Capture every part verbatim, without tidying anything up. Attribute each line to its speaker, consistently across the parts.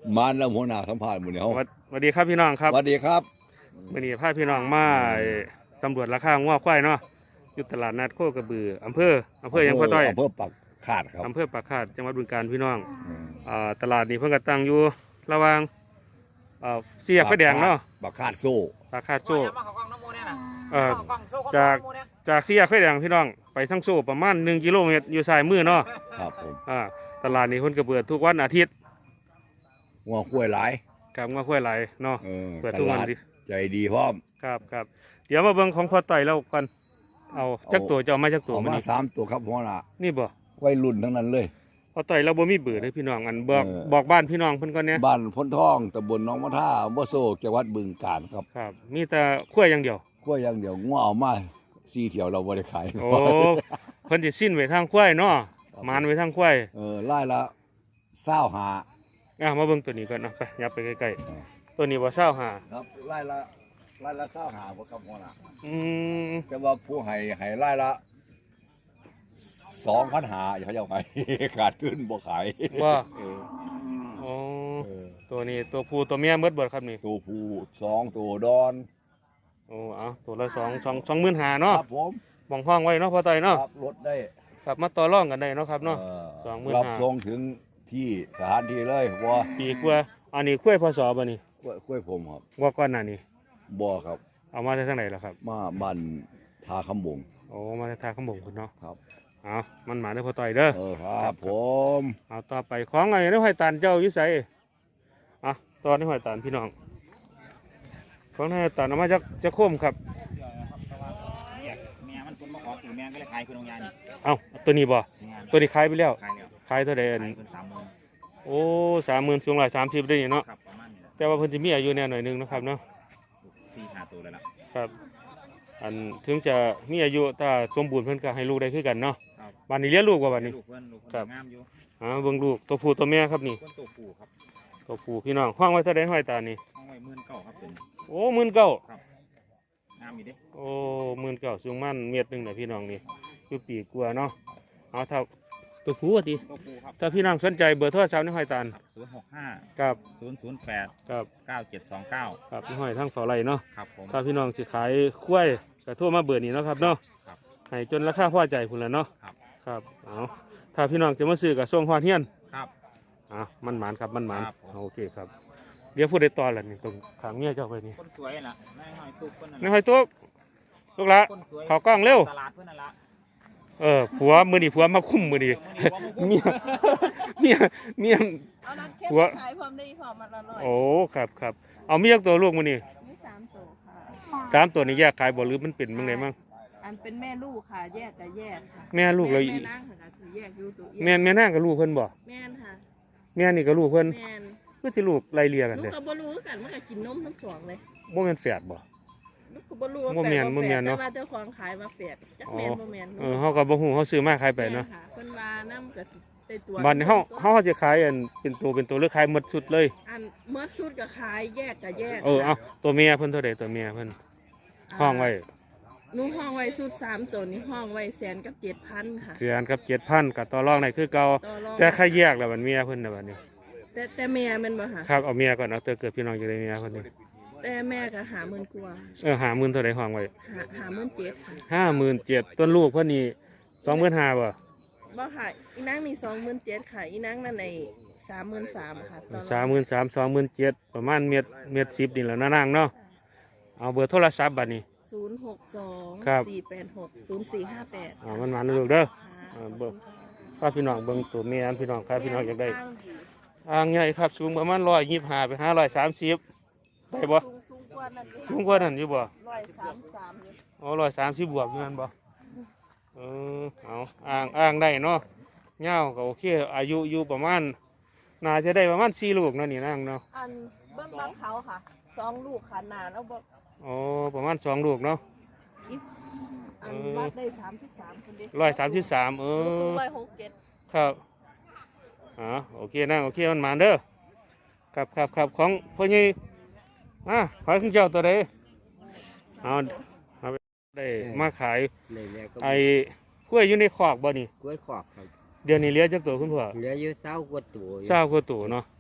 Speaker 1: มาแล้วหัวหน้าสัมภาษณ์หมู่เนี่ย
Speaker 2: สวัสดีครับพี่น้องครับ
Speaker 1: สวัสดีครับ
Speaker 2: วันนี้พาพี่น้องมาสำรวจราคางัวควายเนาะอยู่ตลาดนัดโคกระบืออำเภออำเภอยังพ่อต้อย
Speaker 1: อำเภอปักขาดครับ
Speaker 2: อำเภอปากคาดจังหวัดบึงกาฬพี่น้องอ่าตลาดนี้เพิ่งกระตั้งอยู่ระหว่างอ่าเสียไฟแดงเนาะ
Speaker 1: ปักขาดโซ่
Speaker 2: ปากคาดโซ่เอ่อจากจากเสียไฟแดงพี่น้องไปทั้งโซ่ประมาณหนึ่งกิโลเมตรอยู่ซ้ายมือเนาะ
Speaker 1: ครับผม
Speaker 2: อ่าตลาดนี้เพิ่นก็เปิดทุกวันอาทิตย์
Speaker 1: งัวคุ้ยหลาย
Speaker 2: ครับงัวควายไหลเนาะเปิดทุกวันดิ
Speaker 1: ใจดีพร้อม
Speaker 2: ครับครับเดี๋ยวมาเบิ่งของพ่อต่อยแล้วกันเอาจักตัวจะเอามาจักตัว
Speaker 1: มาสามตัวครับหัวหน้า
Speaker 2: นี่บ่
Speaker 1: วัยรุ่นทั้งนั้นเลย
Speaker 2: พ่อต่อยเราบ่มีเบื่อเลยพี่น้องอันบอกบอกบ้านพี่น้องเพิ่นก่อนเนี่ย
Speaker 1: บ้านพ้นท่องตำบลหนองมะท่าอำเภอโซ่จังหวัดบึงกาฬครับ
Speaker 2: ครับมีแต่ขั้วอย่างเดียว
Speaker 1: ขั้วอย่างเดียวงัวเอามาสี่เที่ยวเราบ่ได้ขาย
Speaker 2: โอ้เพิ่นสิสิ้นไว้ทางขั้วเนาะมานไว้ทางขั้ว
Speaker 1: เออไล่ละเศร้าหา
Speaker 2: อ่ะมาเบิ่งตัวนี้ก่อนเนาะไปยับไปใกล้ๆตัวนี้บ่เศร้าหา
Speaker 1: ครับไล่ละไล่ละเศร้าหาบ่ครับหัวหน้า
Speaker 2: อืม
Speaker 1: แต่ว่าผู้ให้ให้ไล่ละสองพันหาอย่าเขาจะไปขาดขึ้นบ่ขาย
Speaker 2: ว่าอ๋อตัวนี้ตัวผู้ตัวเมียเบิดเบิดครับนี่
Speaker 1: ตัวผู้สองตัวดอน
Speaker 2: โอ้เอาตัวละสองสองสองหมื่นหาเนาะ
Speaker 1: ครับผม
Speaker 2: มองห้องไว้เนาะพอต่อยเนาะ
Speaker 1: รับรถได้
Speaker 2: ครับมาต่อรองกันได้เนาะครับเนาะสองหมื่น
Speaker 1: รับ
Speaker 2: ห้า
Speaker 1: ส่งถึงที่สถานที่เลยว่า
Speaker 2: ปีกว่าอันนี้คุ้ยพศบ่นี่
Speaker 1: คุ้ยผมครับ
Speaker 2: ว่าก้อนหน้านี้
Speaker 1: บ่ครับ
Speaker 2: เอามาจากทางไหนล่ะครับ
Speaker 1: มาบ้านทาคำบง
Speaker 2: โอ้มาจากทาคำบงคุณเนาะ
Speaker 1: ครับ
Speaker 2: เอามันหมาได้พอต่อยเด้อ
Speaker 1: เออครับผม
Speaker 2: เอาต่อไปของไงได้หอยตานเจ้าอยู่ไสอ่ะตอนนี้หอยตานพี่น้องของนายตานเอามาจากจะโค้มครับ
Speaker 3: แม่มันคนมาขอสื่อแม่ก็เลยขายคุณองยานี่
Speaker 2: เอาตัวนี้บ่ตัวนี้ขายไปแล้ว
Speaker 3: ขายแล้ว
Speaker 2: ขายเท่าไหร่โอ้สามหมื่นสูงหลายสามสิบได้เนาะแต่ว่าเพิ่นจะมีอายุแน่หน่อยนึงนะครับเนาะ
Speaker 3: สี่ห้าตัวแล้วล่ะ
Speaker 2: ครับอันถึงจะมีอายุถ้าสมบูรณ์เพิ่นก็ให้ลูกได้คือกันเนาะบ้านนี้เลี้ยงลูกว่าบ้านนี้
Speaker 3: ครับงามอยู่
Speaker 2: อ่าเบิ่งลูกตัวผู้ตัวแม่ครับนี่
Speaker 3: ตัวผู้ครับ
Speaker 2: ตัวผู้พี่น้องห้องไว้เท่าใดห้อยตานี่
Speaker 3: ห้องไว้หมื่นเก้าครับเป็น
Speaker 2: โอ้หมื่นเก้า
Speaker 3: ครับงามอีเด้
Speaker 2: โอ้หมื่นเก้าสูงมันเม็ดนึงน่ะพี่น้องนี่คือปีกว่าเนาะเอาเท่าตัวผู้ว่าติ
Speaker 3: ตัวผู้ครับ
Speaker 2: ถ้าพี่น้องสนใจเบอร์โทรศัพท์นี่ห้อยตาล
Speaker 3: ศูนย์หกห้า
Speaker 2: ครับ
Speaker 3: ศูนย์ศูนย์แปด
Speaker 2: ครับ
Speaker 3: เก้าเจ็ดสองเก้า
Speaker 2: ครับนี่ห้อยทั้งเสาไหลเนาะ
Speaker 3: ครับผม
Speaker 2: ถ้าพี่น้องสิขายคุ้ยก็โทรมาเบอร์นี้เนาะครับเนาะให้จนราคาพอใจพุ่นแล้วเนาะ
Speaker 3: ครับ
Speaker 2: ครับเอาถ้าพี่น้องจะมาซื้อกับส่งฮอดเฮียน
Speaker 3: ครับ
Speaker 2: อ่ะมันหมานครับมันหมานโอเคครับเดี๋ยวพูดได้ตอนละนี่ตรงขางเมียเจ้าไปนี่
Speaker 3: คนสวยน่ะนายหอยตุ๊กคนนั้น
Speaker 2: นายหอยตุ๊กลูกละเขากล้องเร็ว
Speaker 3: ตลาดเพื่อนนั่นละ
Speaker 2: เออผัวมือดีผัวมาคุ้มมือดีเมียเมียเมียผัว
Speaker 4: ขายพร้อมได้พร้อมมันอร่อย
Speaker 2: โอ้ครับครับเอาเมียตัวลูกมือนี่
Speaker 4: มีสามตัวค่ะ
Speaker 2: สามตัวนี้แยกขายบ่หรือมันเป็นมึงไงมั่ง
Speaker 4: อันเป็นแม่ลูกค่ะแยกกับแยกค่ะ
Speaker 2: แม่ลูกเลย
Speaker 4: แม่นั่งค่ะคือแยกอยู่ตัว
Speaker 2: แม่แม่นั่งกับลูกเพิ่นบ่
Speaker 4: แม่นค่ะ
Speaker 2: แม่นี่กับลูกเพิ่น
Speaker 4: แม่น
Speaker 2: เพื่อที่ลูกไล่เลี่ยกัน
Speaker 4: เล
Speaker 2: ย
Speaker 4: ลูกกับบ่รู้กันมันก็กินนมทั้งสองเลย
Speaker 2: บ่แม่นแฝดบ่
Speaker 4: ลูกกับบ่รู้ว่าแฝดบ่แฝดแต่ว่าเจ้าของขายมาแฝดจักแม่นบ่แม่น
Speaker 2: เออเฮาก็บ่ฮู้เฮาซื้อมาขายไปเนาะ
Speaker 4: เพิ่นว่านํก็ได้ตัว
Speaker 2: บัดนี้เฮาเฮาจะขายอันเป็นตัวเป็นตัวหรือขายหมดสุดเลย
Speaker 4: อันหมดสุดก็ขายแยกก็แยก
Speaker 2: เออเอาตัวเมียเพิ่นเท่าใดตัวเมียเพิ่นห้องไว้
Speaker 4: หนูห้องไว้สุดสามตัวนี้ห้องไว้แสนกับเจ็ดพันค่ะ
Speaker 2: แสนกับเจ็ดพันกับต่อรองได้คือเก่าแต่ใครแยกแล้วมันเมียเพิ่นน่ะบัดนี้
Speaker 4: แต่แต่แม่มันบ่ค่ะ
Speaker 2: ครับเอาเมียก่อนเอาเตอเกิดพี่น้องจะได้เมียเพิ่นนี่
Speaker 4: แต่แม่ก็หาหมื่นกว่า
Speaker 2: เออหาหมื่นเท่าใดห้องไว้
Speaker 4: หาหาหมื่นเจ็ดค่ะ
Speaker 2: ห้าหมื่นเจ็ดต้นลูกเพิ่นนี่สองหมื่นห้าบ่
Speaker 4: บ่ค่ะอีนางนี่สองหมื่นเจ็ดค่ะอีนางนั่นในสามหมื่นสามค่ะ
Speaker 2: สามหมื่นสามสองหมื่นเจ็ดประมาณเม็ดเม็ดสิบนี่แหละนางเนาะเอาเบอร์โทรศัพท์บัดนี้
Speaker 4: ศูนย์หกสองสี่แปดหกศูนย์สี่ห้าแปด
Speaker 2: อ่ามันมาลูกเด้ออ่าเบิ่งถ้าพี่น้องเบิ่งตัวเมียพี่น้องครับพี่น้องอยากได้อ่างใหญ่ครับสูงประมาณร้อยยี่สิบห้าไปห้าร้อยสามสิบได้บ่สูงกว่านั้นอยู่บ่
Speaker 4: ร้อยสามสาม
Speaker 2: อ๋อร้อยสามสิบบวกอยู่นั่นบ่เออเอาอ่างอ่างได้เนาะเงาก็โอเคอายุอยู่ประมาณน่าจะได้ประมาณสี่ลูกนั่นนี่นั่งเนาะ
Speaker 4: อันเบิ้งบังเขาค่ะสองลูกขนาดแล้วบ่
Speaker 2: อ๋อประมาณสองลูกเนาะ
Speaker 4: อันวัดได้สามสิบสามคนเดียว
Speaker 2: ร้อยสามสิบสามเออ
Speaker 4: ร้อยหกเจ็ด
Speaker 2: ครับอ๋อโอเคนั่งโอเคมันมาเด้อครับครับครับของพ่อใหญ่อ่ะขายของเจ้าตัวใดเอาเอาไปได้มาขายไอ้กล้วยอยู่ในขอกบ่นี่
Speaker 5: กล้วยขอกครับ
Speaker 2: เดี๋ยวนี้เลี้ยงจักตัวคุณพ่อ
Speaker 5: เหลืออยู่เศร้ากว่าตัว
Speaker 2: เศร้ากว่าตัวเนาะ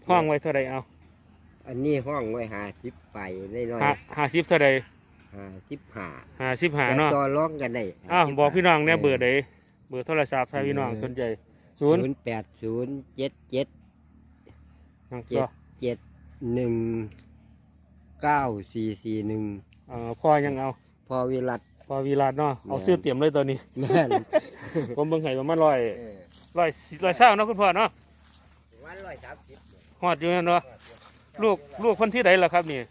Speaker 2: ห้องไว้เท่าใดเอา
Speaker 5: อันนี้ห้องไว้หาสิบไปได้น้อย
Speaker 2: ห้าห้าสิบเท่าใด
Speaker 5: หาสิบหา
Speaker 2: ห้าสิบห้าเนาะ
Speaker 5: ต่อร้องกันได้
Speaker 2: อ้าวบอกพี่น้องเนี่ยเบอร์ใดเบอร์โทรศัพท์ถ้าพี่น้องสนใจศูนย์
Speaker 5: แปดศูนย์เจ็ดเจ็ด
Speaker 2: ยัง
Speaker 5: เจ็
Speaker 2: ก็
Speaker 5: ดเจ็ดหนึ่งเก้าสี่สี่หนึ่ง
Speaker 2: เอ่อพ่อยังเอา
Speaker 5: พอวิรัต
Speaker 2: พอวีราดเนาะเอาซื้อเตรียมเลยตัวนี้
Speaker 5: แม่น
Speaker 2: ผมเบิ่งให้ประมาณร้อยร้อยร้อยเศร้าเนาะคุณพ่อเนาะ
Speaker 5: วันร้อยสามสิบ
Speaker 2: ฮอดอยู่นั่นเนาะลูกลูกคนที่ใดล่ะครับนี่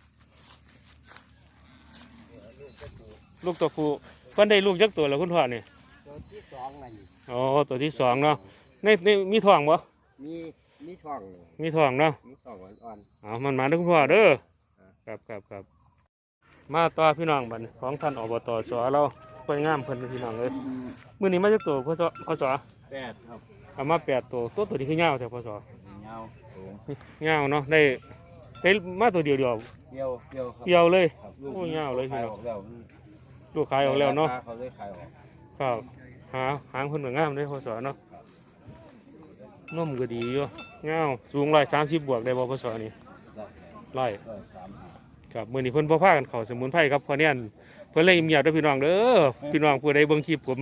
Speaker 2: ลูกตัวผู้เพิ่นได้ลูกจักตัวแล้วคุณพ่อนี่
Speaker 5: ตัวที่สองนั่น
Speaker 2: อ๋อตัวที่สองเนาะในในมีท้องบ่
Speaker 5: มีมีช่อง
Speaker 2: มีท้องเนาะ
Speaker 5: มีช่องอ่อน
Speaker 2: เอามันมาเด้อคุณพ่อเด้อครับครับครับมาต่อพี่น้องบัดนี้ของท่านอบตสเราค่อยงามเพิ่นพี่น้องเลยมื้อนี้มาจักตัวพ่อสพ่อส
Speaker 3: แปดครับ
Speaker 2: เอามาแปดตัวตัวตัวนี้คือยาวแต่พ่อส
Speaker 3: เงาสูง
Speaker 2: ยาวเนาะได้ได้มาตัวเดียวเดียว
Speaker 3: เกี่ยวเกี่ยวครับ
Speaker 2: เดียวเลย
Speaker 3: ครับ
Speaker 2: โอ้ยาวเลยพี่
Speaker 3: ขาย
Speaker 2: น้
Speaker 3: อ
Speaker 2: อง
Speaker 3: อกแล้ว
Speaker 2: ลูกขายออกแล้วเนาะ
Speaker 3: เขาเลยขายออก
Speaker 2: ครับหาหางคนเหมือนงามเลยพ่อสเนาะนุ่มก็ดีอยู่ยาวสูงร้อยสามสิบบวกได้บ่พ่อสนี่ร้อย
Speaker 3: ร้อยสามห้า
Speaker 2: ครับมื้อนี้เพิ่นบ่พากันเข้าสมุนไพรครับเพราะเนี่ยเพิ่นเลยเงียบเด้อพี่น้องเด้อพี่น้องผู้ใดเบิ่งคลิปผม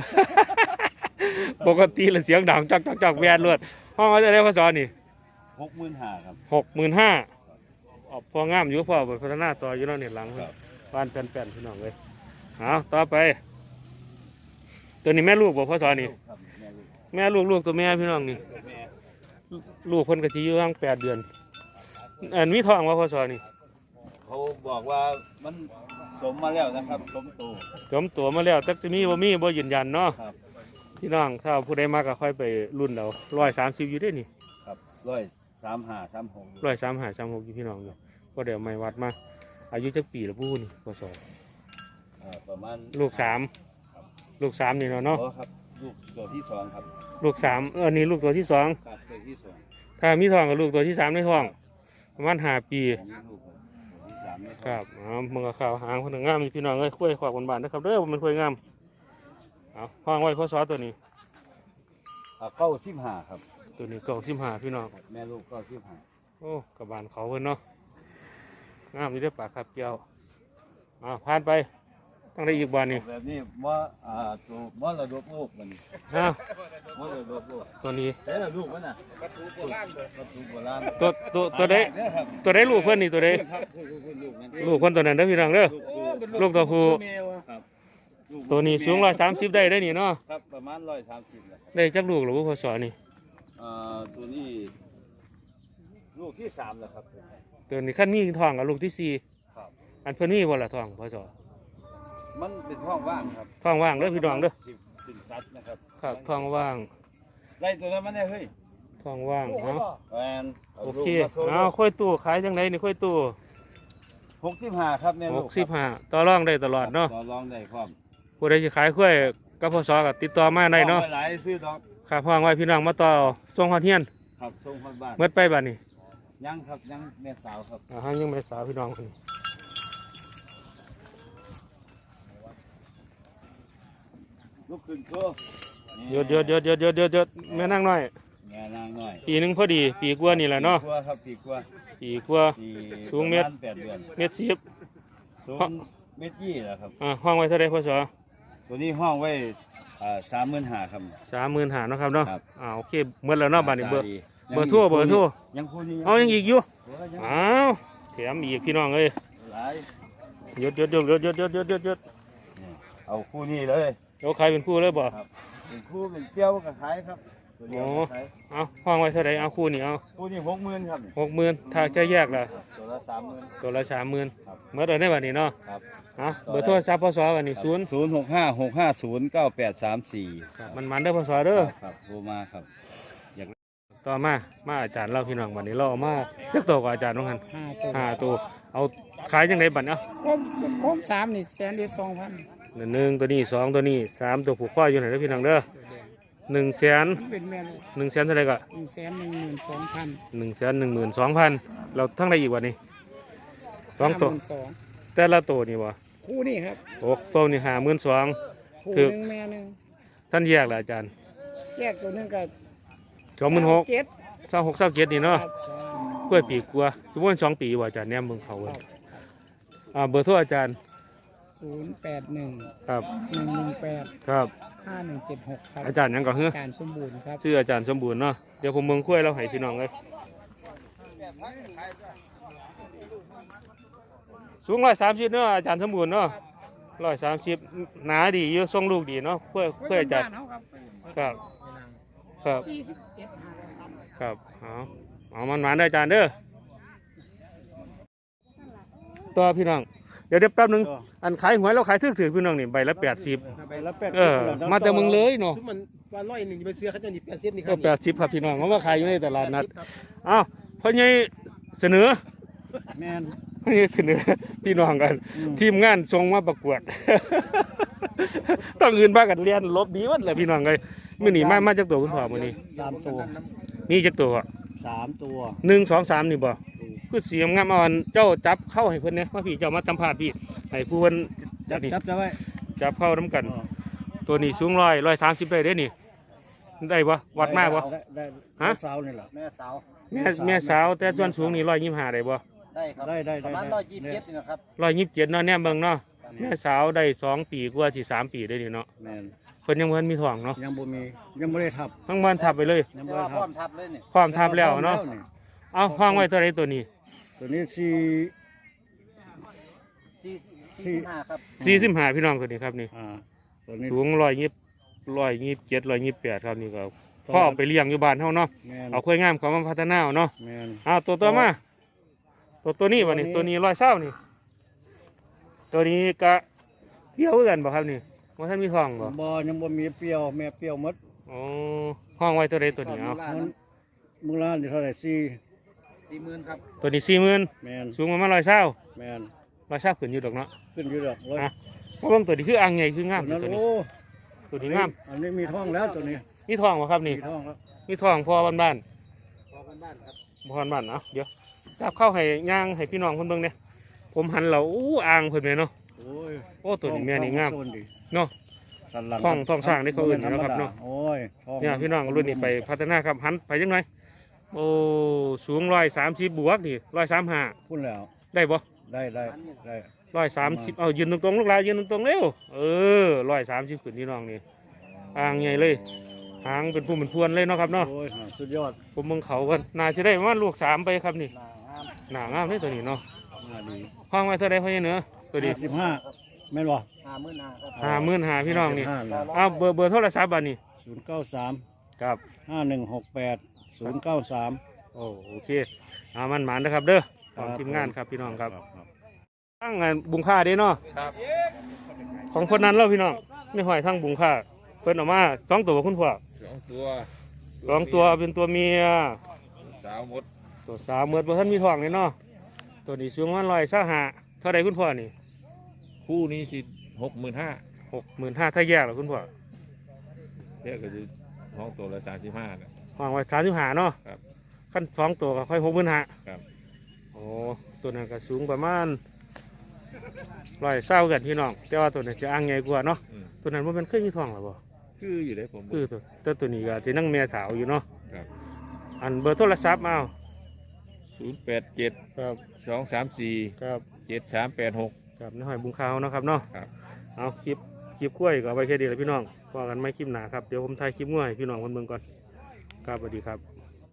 Speaker 2: ปกติแล้วเสียงดังจักจักจักแวดรวดห้องเขาจะได้พ่อสนี่
Speaker 3: หกหมื่นห้าครับ
Speaker 2: หกหมื่นห้าออกพองามอยู่พ่อพัฒนาต่ออยู่เนาะเนี่ยหลัง
Speaker 3: ครับ
Speaker 2: บ้านแป้นๆพี่น้องเลยเอาต่อไป ตัวนี้แม่ลูกบอกพ่อสอนนี่
Speaker 3: ครับแม่ลูก
Speaker 2: แม่ลูกลูกตัวแม่พี่น้องนี่
Speaker 3: แม่
Speaker 2: ลูกเพิ่นก็สิอยู่ตั้งแปดเดือนอันมีท้องว่าพ่อสอนนี่
Speaker 3: เขาบอกว่ามันสมมาแล้วนะครับสมโต
Speaker 2: จมตัวมาแล้วแต่จะมีบ่มีบ่ยืนยันเนาะ
Speaker 3: ครับ
Speaker 2: พี่น้องถ้าผู้ใดมาก็ค่อยไปรุ่นเอาร้อยสามสิบอยู่ได้นี่
Speaker 3: ครับร้อยสามห้าสามหก
Speaker 2: ร้อยสามหาสามหกอยู่พี่น้องอยู่ก็เดี๋ยวไม่วัดมาอายุจักปีละผู้นี่พ่อสอน
Speaker 3: อ่าประมาณ
Speaker 2: ลูกสามลูกสามนี่เนาะเนาะ
Speaker 3: โอ้ครับลูกตัวที่สองครับ
Speaker 2: ลูกสามเออนี่ลูกตัวที่สอง
Speaker 3: ครับตัวที่สอง
Speaker 2: ถ้ามีท้องกับลูกตัวที่สามในท้องประมาณห้าปี
Speaker 3: อันนี้ลูกตัวที่สามนี่
Speaker 2: ครับอ๋อมึงก็ข่าวหางคนหนึ่งงามอยู่พี่น้องเอ้ยคุยขอบคนบ้านนะครับเด้อมันคุยงามเอาห้องไว้ข้อซอตัวนี้
Speaker 3: อ่าเก้าสิบห้าครับ
Speaker 2: ตัวนี้เก่าสิบห้าพี่น้อง
Speaker 3: แม่ลูกเก้าสิบห้า
Speaker 2: โอ้กับบานเขาเพิ่นเนาะงามอยู่ได้อปากครับเกี่ยวอ่าผ่านไปตั้งได้อีกบานนี่
Speaker 3: แบบนี้ว่าอ่าตัวว่าระดบลูกมัน
Speaker 2: อ้าว
Speaker 3: ว่าระดบลูก
Speaker 2: ตัวนี้
Speaker 3: แต่ละลูกมันน่ะกระทูโบราณกระทูโบราณ
Speaker 2: ตัวตัวตัวใด
Speaker 3: เด้อครับ
Speaker 2: ตัวใดลูกเพิ่นนี่ตัวใด
Speaker 3: ครับลูกลูกลูกนั้น
Speaker 2: ลูกคนตัวนั้นเด้อพี่น้องเด้อ ลูกตัวผู้
Speaker 3: ครับลูก
Speaker 2: ตัวนี้สูงร้อยสามสิบได้ได้อนี่เนาะ
Speaker 3: ครับประมาณร้อยสามสิบแหละ
Speaker 2: ได้จักลูกหรือว่าพอสอนี่
Speaker 3: อ่าตัวนี้ลูกที่สามแล้วครับ
Speaker 2: ตัวนี้ขั้นมีท้องกับลูกที่สี่
Speaker 3: ครับ
Speaker 2: อันเพิ่นมีบ่ละท้องพอสอ
Speaker 3: มันเป็นท้องว่างครับ
Speaker 2: ท้องว่างเด้อพี่น้องเด้อ
Speaker 3: สิบสิบสัตว์นะครับ
Speaker 2: ครับท้องว่าง
Speaker 3: ไล่ตัวนั้นมันได้เฮ้ย
Speaker 2: ท้องว่างเนาะ
Speaker 3: แมน
Speaker 2: โอเคเอาค่อยตู้ขายจังไดนี่ค่อยตู้
Speaker 3: หกสิบห้าครับแม่
Speaker 2: ห
Speaker 3: ลู
Speaker 2: ก
Speaker 3: ก
Speaker 2: สิบห้าต่อรองได้ตลอดเนาะ
Speaker 3: ต่อรองได้พร้อม
Speaker 2: ผู้ใดสิขายค่อยกับพศก็ติดต่อมาได้เนาะ
Speaker 3: อหลายซื้อดอก
Speaker 2: ครับห้องไว้พี่น้องมาต่อส่งฮอดเฮียน
Speaker 3: ครับส่งคนบ้าน
Speaker 2: เมื่อไปบัดนี้
Speaker 3: ยังครับยังแม่สาวครับ
Speaker 2: อ่าหายังไม่สาวพี่น้องคนนี้
Speaker 3: ลูกขึ้นโชว์
Speaker 2: หยดหยดหยดหยดหยดหยดหยดแม่นั่งน้อย
Speaker 3: แม่นางหน่อย
Speaker 2: ปีหนึงพอดีปีกว่านี่แหละเนาะ
Speaker 3: ปีกว่าครับปีกว่า
Speaker 2: ปีกว่า
Speaker 3: ปี
Speaker 2: สูงเมตร
Speaker 3: ประาณแปดเดือน
Speaker 2: เม็ดสิบ
Speaker 3: สูงเมตรยี่แล้วครับ
Speaker 2: อ่าห้องไว้เท่าไรพศ
Speaker 3: ตัวนี้ห้องไว้สามหมื่นห้าครับ
Speaker 2: สามหมื่นหาเนาะครับเนาะ
Speaker 3: ครับ
Speaker 2: อ่าโอเคเมื่อแล้วเนาะบัดนี้เบอร์
Speaker 3: ดี
Speaker 2: เบอร์โทรเบอร์โทร
Speaker 3: ยังพูดนี่
Speaker 2: เอายังอีกอยู่
Speaker 3: เบอร์ยัง
Speaker 2: อ้าวแถมอีกพี่น้องเอ้ย
Speaker 3: หลาย
Speaker 2: หยดหยดหยดหยดหยดหยดหยดหยดหยด
Speaker 3: นี่เอาคู่นี้เลย
Speaker 2: เดี๋ยวใครเป็นคู่เลยบ่
Speaker 3: ครับเป็นคู่เป็นเปรี้ยวกับขายครับตัวเดียวก็ขาย
Speaker 2: เอาห้องไว้เท่าไรเอาคู่นี่เอา
Speaker 3: คู่นี้หกหมื่นครับ
Speaker 2: หกหมื่นถ้าจะแยกล่ะ
Speaker 3: ตัวละสามหมื่น
Speaker 2: ตัวละสามหมื่น
Speaker 3: ครับ
Speaker 2: เมื่อเดือนได้บัดนี้เนาะ
Speaker 3: ครับ
Speaker 2: เอาเบอร์โทรศัพท์พศกันนี่ศูนย์
Speaker 3: ศูนย์หกห้าหกห้าศูนย์เก้าแปดสามสี่
Speaker 2: มันมันเด้อพศเด้อ
Speaker 3: ครับโทรมาครับ
Speaker 2: ต่อมามาอาจารย์เล่าพี่น้องบัดนี้เราเอามาเลือกตัวกับอาจารย์น้องหัน
Speaker 6: ห้าตัว
Speaker 2: ห้าตัวเอาขายจังไดบัดเนาะ
Speaker 6: ครบครบสามนี่แสนเดียวสองพัน
Speaker 2: หนึ่งตัวนี้สองตัวนี้สามตัวผูกข้ออยู่ไหนเด้อพี่น้องเด้อหนึ่งแสน
Speaker 6: เป็นแม่ลูก
Speaker 2: หนึ่งแสนเท่าไหรก็
Speaker 6: หนึ่งแสนหนึ่งหมื่นสองพัน
Speaker 2: หนึ่งแสนหนึ่งหมื่นสองพันเราทั้งได้อีกวันนี้สองตัว
Speaker 6: สอง
Speaker 2: แต่ละตัวนี่วะ
Speaker 6: คู่นี่ครับ
Speaker 2: โอ้ตัวนี่ห้าหมื่นสอง
Speaker 6: คู่
Speaker 2: คือ
Speaker 6: หนึ่งแม่หนึ่ง
Speaker 2: ท่านแยกละอาจารย์
Speaker 6: แยกตัวหนึงกับ
Speaker 2: สองหมื่นหก
Speaker 6: เจ็ด
Speaker 2: เศร้าหกเศร้าเจ็ดนี่เนาะ
Speaker 6: ครับ
Speaker 2: กล้วยปีกลัวทุกวันสองปีว่าอาจารย์เนี่ยมึงเขาเว้ยอ่าเบอร์โทรอาจารย์
Speaker 6: ศูนย์แปดหนึ่ง
Speaker 2: ครับ
Speaker 6: หนึ่งหนึ่งแปด
Speaker 2: ครับ
Speaker 6: ห้าหนึ่งเจ็ดหกครับ
Speaker 2: อาจารย์หยังก็เฮ้อ
Speaker 6: การสมบูรณ์ครับ
Speaker 2: ชื่ออาจารย์สมบูรณ์เนาะเดี๋ยวผมเมืองกล้วยเราให้พี่น้องเลยสูงร้อยสามสิบเนาะอาจารย์สมบูรณ์เนาะร้อยสามสิบหนาดีเยอะทรงลูกดีเนาะกล้วยกล้วยอาจารย์ ครับครับ
Speaker 6: สี่สิบเจ็ดห้าร้อยครับ
Speaker 2: ครับเอาเอามันหวานได้ออาจารย์เด้อต่อพี่น้องเดี๋ยวเดี๋ยวแป๊บหนึงอันขายหวยเราขายถือถือพี่น้องนี่ใบละแปดสิบ
Speaker 7: ไปแล้วแปด
Speaker 2: เออมาแต่เมืองเลยเนาะ
Speaker 7: ซุมมันว่าร้อยหนึ่งจะไปเสื้อเขาจะหนีแปดสิบนี่ค
Speaker 2: ก็
Speaker 7: รับ
Speaker 2: แปดสิบครับพี่น้องเขามาขายอยู่ในตลาดนัดอ้าวพ่อใหญ่เสนอ
Speaker 7: แมน
Speaker 2: พ่อใหญ่เสนอพี่น้องกัน ทีมงานส่งมาประกวด ต้องอื่นบ้ากันเรียนลบดีวัดเลยพี่น้องเลยมื่อนี้มามาจากตัวคุณพ่อมื่อนี้
Speaker 7: สามตัว
Speaker 2: มีจากตัว
Speaker 7: สามตัว
Speaker 2: หนึ่งสองสามนี่บ่คือเสียงงามอ่อนเจ้าจับเข้าให้เพิ่นเนี่ยว่าพี่เจ้ามาสัมภาษณ์พี่ให้ผู้เพิ่น
Speaker 7: จับ
Speaker 2: นี่
Speaker 7: จับจะไว้
Speaker 2: จับเข้าน้ำกัน
Speaker 7: อ๋อ
Speaker 2: ตัวนี้สูงร้อยร้อยสามสิบได้เด้นี่ได้บ่วัดมากบ่
Speaker 7: ได้ได้
Speaker 2: ฮะ
Speaker 7: แม่สาวนี่แหละแม่สาว
Speaker 2: แม่แม่สาวแต่ส่วนสูงนี่ร้อยยี่สิบห้าได้บ่
Speaker 3: ได้ครับ
Speaker 7: ได้ได้
Speaker 3: ป
Speaker 7: ได้
Speaker 3: ระมาณ
Speaker 7: ได้
Speaker 3: ร้อยยี่สิบเจ็ดนี่นะครับ
Speaker 2: ร้อยยี่สิบเจ็ดเนาะแน่เบิ่งเนาะแม่สาวได้สองปีกว่าสิสามปีได้นี่เนาะ
Speaker 7: แมน
Speaker 2: เพิ่นยังบ่ทันมีท้องเนาะ
Speaker 7: ยังบ่มียังบ่ได้ทับ
Speaker 2: ทั้งบ้านทับไปเลย
Speaker 7: ยัง
Speaker 3: แต่
Speaker 7: บ่ได้
Speaker 3: ว่าพร้อ
Speaker 7: ทับ
Speaker 3: มทับเลยนี่
Speaker 2: พร้อมทับแล้วเนาะ
Speaker 7: นี่
Speaker 2: เอาห้องไว้ตัวใดตัวนี้
Speaker 7: ตัวนี้สี่
Speaker 3: สี่
Speaker 7: สี่
Speaker 3: สี่สิบห้าครับ
Speaker 2: สี่สิบห้าพี่น้องตัวนี้ครับนี่
Speaker 7: อ่าตัวนี้
Speaker 2: สูงร้อยยี่สิบร้อยยี่สิบเจ็ดร้อยยี่สิบแปดครับนี่ก็พ่อเอาไปเลี้ยงอยู่บ้านเฮาเนาะ
Speaker 7: แมน
Speaker 2: เอาค่อยงามเขามาพัฒนาเอาเนาะ
Speaker 7: แมน
Speaker 2: เอาตัวตัวมา ตัวตัวนี้วะนี่
Speaker 7: ตั
Speaker 2: ตัว
Speaker 7: วนี้
Speaker 2: นี้ร้อยเศร้านี่ ตัวนี้ก็เกี่ยวกันบ่ครับนี่ว่าท่านมีท้องบ่
Speaker 7: บ่ยังบ่มีเปรี้ยวแม่เปรี้ยวหมด
Speaker 2: อ๋อห้องไว้ตัวใดตัวนี้เอา
Speaker 7: มันมูลค่านี่เท่าไหร่สี่
Speaker 3: สี่หมื่นครับ
Speaker 2: ตัวนี้สี่หมื่น
Speaker 7: แมน
Speaker 2: สูงประมาณร้อยเศร้า
Speaker 7: แมน
Speaker 2: ร้อยเศร้าขึ้นอยู่ดอกเนาะ
Speaker 7: ขึ้นอยู่ดอกร้อย
Speaker 2: อ่ะเพราะว่าตัวนี้คืออ่างใหญ่คืองาม
Speaker 7: ตัว
Speaker 2: ตัว
Speaker 7: นั้น
Speaker 2: นี้
Speaker 7: โอ้
Speaker 2: ตัวนี้งาม
Speaker 7: อันนี้มีท้องแล้วตัวนี้
Speaker 2: มีท้องบ่ครับ
Speaker 7: มี
Speaker 2: นี่
Speaker 7: ท้องแล้ว
Speaker 2: มีท้องพอบ้านบ้าน
Speaker 3: พอกันบ้านครับ
Speaker 2: ๆพอบ้านๆเนาะเดี๋ยวจับเข้าให้ย่างให้พี่น้องเพิ่นเบิ่งเนี่ยผมหันเราอู้อ่างเพิ่นแม่เนาะ
Speaker 7: โอ้ย
Speaker 2: โอ้ตัวนี้แม่นี่งาม
Speaker 7: ท้อโซดิ
Speaker 2: เนาะ
Speaker 7: สันหลัง
Speaker 2: ท้องท้องสร้างนี่เขาเอิ้นอยู่แล้วครับเนาะ
Speaker 7: โอ้ยท้อง
Speaker 2: เนี่ยพี่น้องรุ่นนี้ไปพัฒนาครับหันไปจังไงโอ้สูงร้อยสามสิบบวกนี่ร้อยสามห้า
Speaker 7: พูดแล้ว
Speaker 2: ได้บ่
Speaker 7: ได้ได้ได้
Speaker 2: ร้อยสามสิบเอายืนตรงๆลูกหลานยืนตรงๆเร็วเออร้อยสามสิบขึ้นพี่น้องนี่อ่างใหญ่เลยหางเป็นผู้เป็นพวนเลยเนาะครับเนาะ
Speaker 7: โอ้ยสุดยอด
Speaker 2: ผมเมืองเขากันน่าจะได้ประมาณลูกสามไปครับนี่
Speaker 3: หน้างาม
Speaker 2: หนางามเลยตัวนี้เนาะ
Speaker 7: มาดี
Speaker 2: ห้องไว้เท่าไรพ่อเหนือตัวนี้
Speaker 7: สิบห้าแม่นบ่
Speaker 3: ห้าหมื่นห้าครับ
Speaker 2: ห้าหมื่นหาพี่น้องนี่
Speaker 7: ห้า
Speaker 2: เอาเบอร์เบอร์โทรศัพท์บัดนี้
Speaker 7: ศูนย์เก้าสาม
Speaker 2: ครับ
Speaker 7: ห้าหนึ่งหกแปดศูนย์เก้าสาม
Speaker 2: โอ้โอเคเอามันหมานนะครับเด้อข
Speaker 7: ครั
Speaker 2: อง
Speaker 7: บ
Speaker 2: ทีมงานครับพี่น้องครับ ตั้งงานบุงค่าเด้เนาะของคนนั้นเล่าพี่น้องไม่ห้อยทั้งบุงค่าเพิ่นเออกมาสองตัวคุณพ่อ
Speaker 1: สองตัว
Speaker 2: สองตัวเป็นตัวเมีย
Speaker 1: สาวหมด
Speaker 2: ตัวสาวเหมือนบ่ท่านมีท้องเลยเนาะตัวนี้สูงวันลอยเศร้าหาเท่าไรคุณพ่อนี่
Speaker 1: คู่นี้สิหกหมื่นห้า
Speaker 2: หกหมื่นห้าถ้าแยกเหรอคุณพ่อ
Speaker 1: เรียกก็จะห้องตัวละสามสิบห้านะ
Speaker 2: วางไว้สามสิบห้าเนาะ
Speaker 1: ครับ
Speaker 2: ขั้นสองตัวก็ค่อยหกหมื่นห้า
Speaker 1: ครับ
Speaker 2: โอ้ตัวนั้นก็สูงประมาณร้อยเศร้ากันพี่น้องแต่ว่าตัวนี้จะอ่างใหญ่กว่าเนาะ
Speaker 1: อืม
Speaker 2: ตัวนั้นว่ามันเคยมีท้องหรือเปล่า
Speaker 1: คืออยู่ได้ผม
Speaker 2: คือตัวแต่ตัวนี้ก็ที่นั่งแม่สาวอยู่เนาะ
Speaker 1: ครับ
Speaker 2: อันเบอร์โทรศัพท์เอา
Speaker 1: ศูนย์แปดเจ็ด
Speaker 2: ครับ
Speaker 1: สองสามสี่
Speaker 2: ครับ
Speaker 1: เจ็ดสามแปดหก
Speaker 2: ครับในหอยบุงขาวเนาะครับเนาะ
Speaker 1: ครับ
Speaker 2: เอาคลิปคลิปกล้วยก็เอาไว้แค่ดีแหละพี่น้องพอกันไม่คลิปหนาครับเดี๋ยวผมถ่ายคลิปง่วยให้พี่น้องคนเบิ่งก่อนครับสวัสดีครับ